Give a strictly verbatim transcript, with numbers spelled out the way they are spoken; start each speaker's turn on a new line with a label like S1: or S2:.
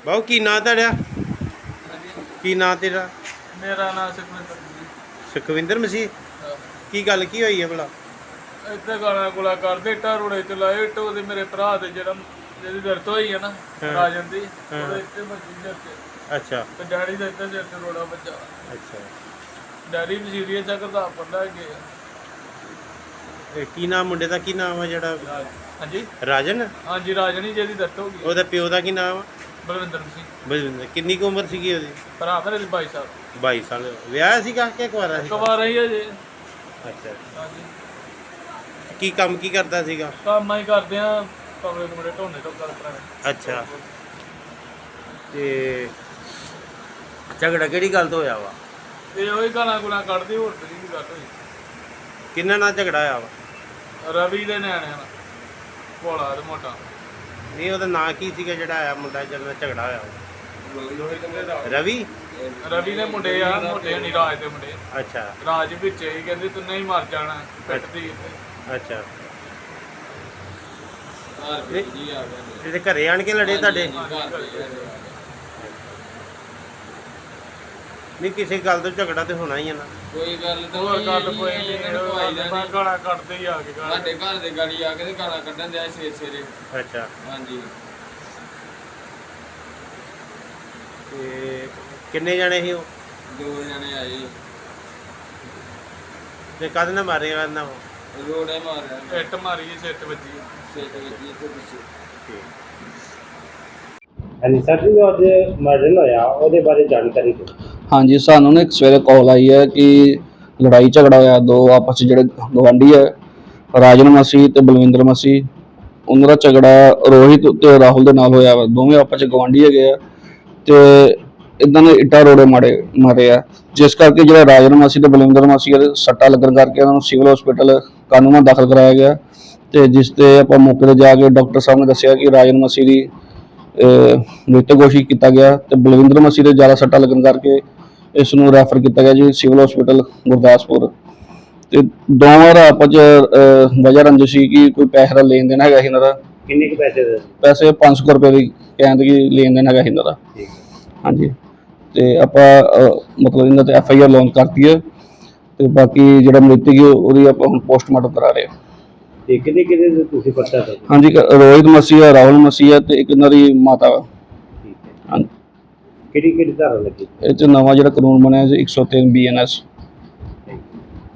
S1: ਬਾਉ ਕੀ ਨਾਂ ਤੁਹਾਡਾ? ਕੀ ਨਾਂ ਤੇਰਾ?
S2: ਮੇਰਾ ਨਾਮ ਸੁਖਵਿੰਦਰ ਜੀ।
S1: ਸੁਖਵਿੰਦਰ ਮਸੀਹ। ਕੀ ਗੱਲ ਕੀ ਹੋਈ ਹੈ ਭਲਾ?
S2: ਇੱਥੇ ਗਾਲਾਂ ਗੁਲਾ ਕਰਦੇ ਇੱਟਾਂ ਰੋੜੇ ਚ ਲਾਏ ਇੱਟ ਉਹਦੇ ਮੇਰੇ ਭਰਾ ਦੇ ਜਿਹੜਾ ਜਿਹਦੀ ਦਰਦ ਹੋਈ ਹੈ ਨਾ ਰਾਜਨ ਦੀ ਉਹਦੇ ਇੱਥੇ ਵੱਜੀ ਸਿਰ ਤੇ।
S1: ਅੱਛਾ।
S2: ਤੇ ਡੈਡੀ ਦਾ ਇੱਥੇ ਸਿਰ ਤੇ ਰੋੜਾ ਵੱਜਾ।
S1: ਅੱਛਾ।
S2: ਡੈਡੀ ਵੀ ਸੀਰੀਅਸ ਆ ਕਰਦਾ ਪੜਦਾ ਗਿਆ।
S1: ਇਹ ਕੀ ਨਾਮ ਮੁੰਡੇ ਦਾ? ਕੀ ਨਾਮ ਆ ਜਿਹੜਾ?
S2: ਹਾਂਜੀ
S1: ਰਾਜਨ।
S2: ਹਾਂਜੀ ਰਾਜਨ ਹੀ ਜਿਹਦੀ ਦਰਦ ਹੋ ਗਈ।
S1: ਉਹਦਾ ਪਿਓ ਦਾ ਕੀ ਨਾਮ ਆ?
S2: ਬਲਵਿੰਦਰ ਸਿੰਘ।
S1: ਬਲਵਿੰਦਰ। ਕਿੰਨੀ ਕੁ ਉਮਰ ਸੀਗੀ ਉਹਦੀ?
S2: ਭਰਾ ਮੇਰੇ ਦੀ ਬਾਈ ਸਾਲ।
S1: ਬਾਈ ਸਾਲ। ਵਿਆਹ ਸੀਗਾ ਕਿ ਕੁਆਰਾ ਸੀ?
S2: ਕੁਆਰਾ ਹੀ ਹੈ ਜੀ।
S1: ਅੱਛਾ।
S2: ਹਾਂਜੀ।
S1: ਕੀ ਕੰਮ ਕੀ ਕਰਦਾ ਸੀਗਾ?
S2: ਕੰਮ ਹੀ ਕਰਦੇ ਆ ਕਮਰੇ ਕੁਮਰੇ ਢੋਣੇ ਤੋਂ ਕਰ ਭਰਾ।
S1: ਅੱਛਾ। ਤੇ ਝਗੜਾ ਕਿਹੜੀ ਗੱਲ ਤੋਂ ਹੋਇਆ ਵਾ?
S2: ਇਹ ਉਹੀ ਗਾਲਾਂ ਗੁਲਾਂ ਕੱਢਦੀ ਹੋਰ ਤੇ ਨਹੀਂ ਗੱਲ ਹੋਈ।
S1: ਕਿੰਨਾ ਨਾਲ ਝਗੜਾ ਹੋਇਆ ਵਾ?
S2: ਰਵੀ ਦੇ ਨਿਆਣਿਆਂ ਨਾਲ ਭੋਲਾ ਤੇ ਮੋਟਾ।
S1: ਨਹੀਂ ਉਹਦਾ ਨਾਂ ਕੀ ਸੀਗਾ ਜਿਹੜਾ ਆਇਆ ਮੁੰਡਾ ਜਿਹਦੇ ਨਾਲ ਝਗੜਾ ਹੋਇਆ ਵਾ? ਰਵੀ।
S2: ਰਵੀ ਦੇ ਮੁੰਡੇ ਆ ਮੋਟੇ ਨਹੀਂ ਰਾਜ ਦੇ ਮੁੰਡੇ।
S1: ਅੱਛਾ।
S2: ਰਾਜ ਵਿੱਚ ਹੀ ਕਹਿੰਦੇ ਤੂੰ ਨਹੀਂ ਮਰ ਜਾਣਾ ਪਿੱਟਦੀ।
S1: ਅੱਛਾ। ਇਹਦੇ ਘਰੇ ਆਣ ਕੇ ਲੜੇ ਤੁਹਾਡੇ? ਨਹੀਂ ਕਿਸੇ ਗੱਲ ਤੋਂ ਝਗੜਾ ਤੇ ਹੋਣਾ ਹੀ ਹੈ ਨਾ।
S3: ਕੋਈ ਗੱਲ ਤਾਂ
S2: ਹੋਰ ਗੱਲ ਕੋਈ ਨਹੀਂ। ਮੈਂ ਗਾਲਾਂ ਕੱਢਦੇ ਹੀ ਆ ਕੇ ਗਾਲਾਂ।
S3: ਸਾਡੇ ਘਰ ਦੇ ਗਾੜੀ ਆ ਕੇ ਤੇ ਗਾਲਾਂ ਕੱਢਣ ਦਿਆ ਸਵੇਰੇ ਸਵੇਰੇ।
S1: ਅੱਛਾ।
S3: ਹਾਂਜੀ।
S1: ਤੇ ਕਿੰਨੇ ਜਣੇ ਸੀ ਉਹ?
S3: ਦੋ ਜਣੇ ਆਏ
S1: ਤੇ ਕਦ ਨਾ ਮਾਰੇ ਕਰਨਾ
S3: ਰੋੜੇ ਮਾਰਿਆ।
S2: ਇੱਟ ਮਾਰੀ ਸਿਰ ਤੇ ਵੱਜੀ।
S3: ਸਿਰ ਤੇ ਵੱਜੀ ਇੱਥੇ ਪਿੱਛੇ।
S1: ਹਾਂਜੀ ਸਰ ਜੀ, ਅੱਜ ਮਰਡਰ ਹੋਇਆ ਉਹਦੇ ਬਾਰੇ ਜਾਣਕਾਰੀ ਦਿਓ।
S4: ਹਾਂਜੀ, ਸਾਨੂੰ ਨਾ ਇੱਕ ਸਵੇਰੇ ਕਾਲ ਆਈ ਹੈ ਕਿ ਲੜਾਈ ਝਗੜਾ ਹੋਇਆ ਦੋ ਆਪਸ 'ਚ ਜਿਹੜੇ ਗਵਾਂਢੀ ਹੈ ਰਾਜਨ ਮਸੀਹ ਤੇ ਬਲਵਿੰਦਰ ਮਸੀਹ, ਉਹਨਾਂ ਦਾ ਝਗੜਾ ਰੋਹਿਤ ਤੇ ਰਾਹੁਲ ਦੇ ਨਾਲ ਹੋਇਆ ਵਾ। ਦੋਵੇਂ ਆਪਸ 'ਚ ਗਵਾਂਢੀ ਹੈਗੇ ਆ ਤੇ ਇਦਾਂ ਦੇ ਇੱਟਾਂ ਰੋੜੇ ਮਾਰੇ ਮਾਰੇ ਆ, ਜਿਸ ਕਰਕੇ ਜਿਹੜਾ ਰਾਜਨ ਮਸੀਹ ਤੇ ਬਲਵਿੰਦਰ ਮਸੀਹ ਦੇ ਸੱਟਾਂ ਲੱਗਣ ਕਰਕੇ ਉਹਨਾਂ ਨੂੰ ਸਿਵਲ ਹਸਪੀਟਲ ਕਾਨੂੰਨਾ ਦਾਖਲ ਕਰਾਇਆ ਗਿਆ। ਤੇ ਜਿਸ ਤੇ ਆਪਾਂ ਮੌਕੇ ਤੇ ਜਾ ਕੇ ਡਾਕਟਰ ਸਾਹਿਬ ਨੇ ਦੱਸਿਆ ਕਿ ਰਾਜਨ ਮਸੀਹ ਦੀ ਮ੍ਰਿਤਕ ਘੋਸ਼ਿਤ ਕੀਤਾ ਗਿਆ ਤੇ ਬਲਵਿੰਦਰ ਮਸੀਹ ਦੇ ਜ਼ਿਆਦਾ ਸੱਟਾਂ ਲੱਗਣ ਕਰਕੇ ਇਸ ਨੂੰ ਰੈਫਰ ਕੀਤਾ ਗਿਆ ਜੀ ਸਿਵਲ ਹਸਪੀਟਲ ਗੁਰਦਾਸਪੁਰ। ਤੇ ਦੋਵਾਂ ਦਾ ਆਪਸ 'ਚ ਵਜ੍ਹਾ ਰੰਜਿਸ਼ ਸੀ ਕਿ ਕੋਈ ਪੈਸੇ ਦਾ ਲੈਣ ਦੇਣ ਹੈਗਾ ਸੀ ਇਹਨਾਂ ਦਾ।
S1: ਕਿੰਨੇ ਕੁ ਪੈਸੇ ਦੇ?
S4: ਪੈਸੇ ਪੰਜ ਸੌ ਰੁਪਏ ਦੀ ਕਹਿੰਦੇ ਕਿ ਲੈਣ ਦੇਣ ਹੈਗਾ ਸੀ ਇਹਨਾਂ ਦਾ। ਹਾਂਜੀ। ਤੇ ਆਪਾਂ ਮਤਲਬ ਇਹਨਾਂ ਤੇ ਐਫ ਆਈ ਆਰ ਲਾਂਚ ਕਰਤੀ ਹੈ ਤੇ ਬਾਕੀ ਜਿਹੜਾ ਮ੍ਰਿਤਕ ਹੈ ਉਹਦੀ ਆਪਾਂ ਹੁਣ ਪੋਸਟਮਾਰਟਮ ਕਰਾ ਰਹੇ ਹਾਂ।
S1: ਤੇ ਕਿਹਦੇ ਕਿਹਦੇ ਤੁਸੀਂ ਪਤਾ ਦੋ?
S4: ਹਾਂਜੀ, ਰੋਹਿਤ ਮਸੀਹ ਹੈ, ਰਾਹੁਲ ਮਸੀਹ ਹੈ ਤੇ ਇੱਕ ਇਹਨਾਂ ਦੀ ਮਾਤਾ ਵਾ। ਹਾਂਜੀ।
S1: ਕਿਹੜੀ ਕਿਹੜੀ ਧਾਰਾ ਲੱਗੀ?
S4: ਇਹ 'ਚ ਨਵਾਂ ਜਿਹੜਾ ਕਾਨੂੰਨ ਬਣਿਆ ਜੀ ਇੱਕ ਸੌ ਤਿੰਨ ਬੀ ਐਨ ਐਸ।